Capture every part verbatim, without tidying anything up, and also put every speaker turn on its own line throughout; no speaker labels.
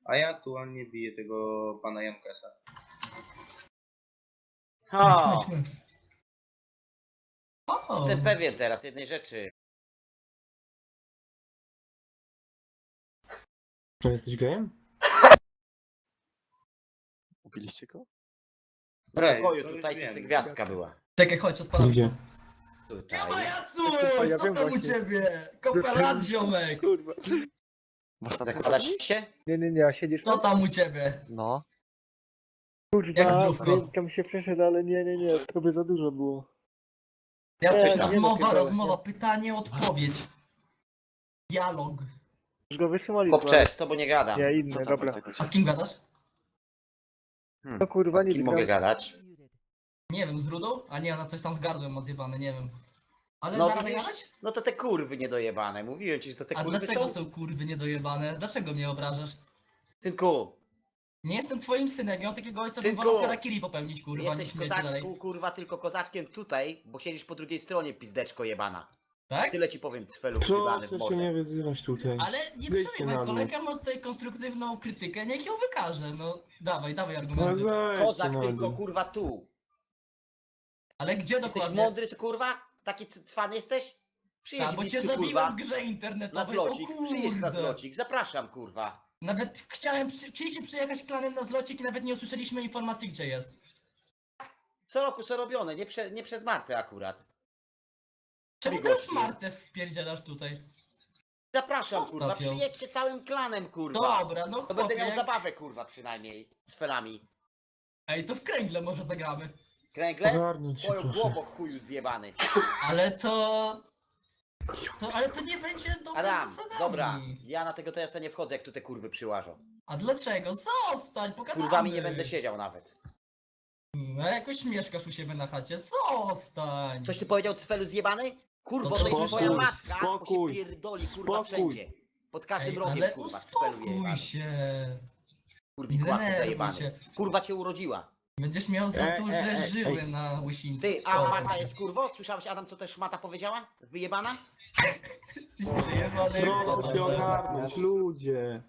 A ja aktualnie biję tego pana Jankesa.
O,
Chodźmy, chodźmy. O!
jestem pewien teraz jednej rzeczy.
Czy jesteś gejem?
Ubiliście go?
W
Rej,
pokoju
to już
tutaj tu
wiem.
gwiazdka była.
Czekaj, chodź, odpalam.
Gdzie?
Tutaj.
Ja Majacuś!
Ja
Co
wiem
tam u
właśnie.
ciebie? Kopelat, ziomek!
Kurwa.
Masz tam
Zakładasz się?
Nie, nie, nie, a siedzisz
Co
tam?
tam u ciebie?
No.
Jak
Kurwa,
zdrówko?
tam się przeszedł, ale nie, nie, nie, to by za dużo było.
Jacuś,
Nie, nie
rozmowa,
dopiero,
rozmowa,
nie.
pytanie, odpowiedź. Dialog.
Już go wysłali.
Chłopcze, z tobą nie gadam.
Nie,
Co
inny,
tam
dobra.
Wojtek u
A z
ciebie?
kim gadasz?
Hmm.
No kurwa,
A z
nic
kim
gram.
mogę gadać?
Nie wiem, z Rudą? A nie, ona coś tam z gardłem ma zjebane, nie wiem. Ale
No
da radę
widzisz?
gadać?
No to te kurwy niedojebane. Mówiłem ci, że to te
A
kurwy
dlaczego
są.
są kurwy niedojebane? Dlaczego mnie obrażasz?
Synku,
Nie jestem twoim synem, ja mam takiego ojca, bym
Synku!
wolał harakiri popełnić, kurwa,
jesteś
niż mieć dalej.
kozaczku, kurwa, tylko kozaczkiem tutaj, bo siedzisz po drugiej stronie, pizdeczko jebana.
Tak?
Tyle ci powiem, cfelu
Co?
wjebany w
Jeszcze
mordę.
nie wyzywać tutaj.
Ale nie
Wyjdźcie
przejmuj,
na dół.
kolega ma tutaj konstruktywną krytykę, niech ją wykaże, no. Dawaj, dawaj
No
argumenty.
zejdźcie
Kozak
na
tylko,
dół.
kurwa, tu.
Ale gdzie
Jesteś
dokładnie?
mądry, ty kurwa? Taki c- cwan jesteś? Przyjedź
A, bo
mi
cię
tu,
zabiłem
kurwa,
w grze
na
internetowej, o
zlocik. Przyjedź na
kurde.
zlocik, zapraszam, kurwa.
Nawet chciałem, przy, chcieliście przyjechać klanem na zlocik i nawet nie usłyszeliśmy informacji, gdzie jest.
Co roku co robione, nie, prze, nie przez Martę akurat.
Czemu
Oj,
teraz
gościu.
Martę wpierdzielasz tutaj?
Zapraszam,
Zostaw
kurwa,
ją.
przyjedźcie całym klanem, kurwa.
Dobra, no
To
chłopie,
będę miał
jak...
zabawę, kurwa, przynajmniej, z felami.
Ej, to w kręgle może zagramy.
Kręgle?
Ogarnąć się,
Twoją
proszę.
głową, chuju zjebany.
Ale to... to... Ale to nie będzie dobre
Adam,
zasadami.
dobra, ja na tego T S a nie wchodzę, jak tu te kurwy przyłażą.
A dlaczego? Zostań, pogadamy.
Kurwami nie będę siedział nawet.
No jakoś mieszkasz u siebie na chacie, zostań.
Coś ty powiedział, cfelu zjebany? Kurwo,
To
to jest
spokój,
twoja matka, bo
spokój,
się pierdoli, kurwa,
spokój.
wszędzie. Pod każdym
Ej,
rogiem,
ale
kurwa, cfelu
uspokój
jebany.
się.
Kurwi,
Nie
kłapy
denerwuj
zajebany.
się.
Kurwa cię urodziła.
Będziesz miał za
Ej,
duże
ej, ej,
żyły
ej.
na łysińcu.
Ty, a
Uspokój
mata
się.
jest kurwo? Słyszałeś, Adam, co też mata powiedziała? Wyjebana?
Jesteś przejebany,
Proszę się
kurwa.
ogarnąć, ludzie.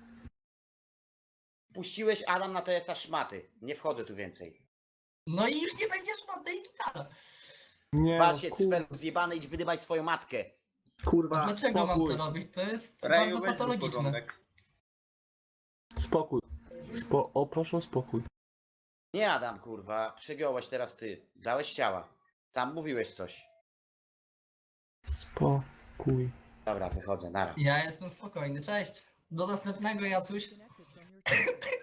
Puściłeś Adam na T S a szmaty. Nie wchodzę tu więcej.
No i już nie będziesz ma tej gitara.
Nie,
Wal się,
kur...
cfelu zjebany, idź wydymaj swoją matkę.
kurwa,
A dlaczego mam
spokój.
to robić? To jest
Reju,
bardzo
weź mi
patologiczne.
porządek.
Spokój. Spo... O, proszę o spokój.
Nie Adam, kurwa, przegiąłeś teraz ty. Dałeś ciała. Sam mówiłeś coś.
Spokój.
Dobra, wychodzę, nara.
Ja jestem spokojny, cześć. Do następnego, Jacuś.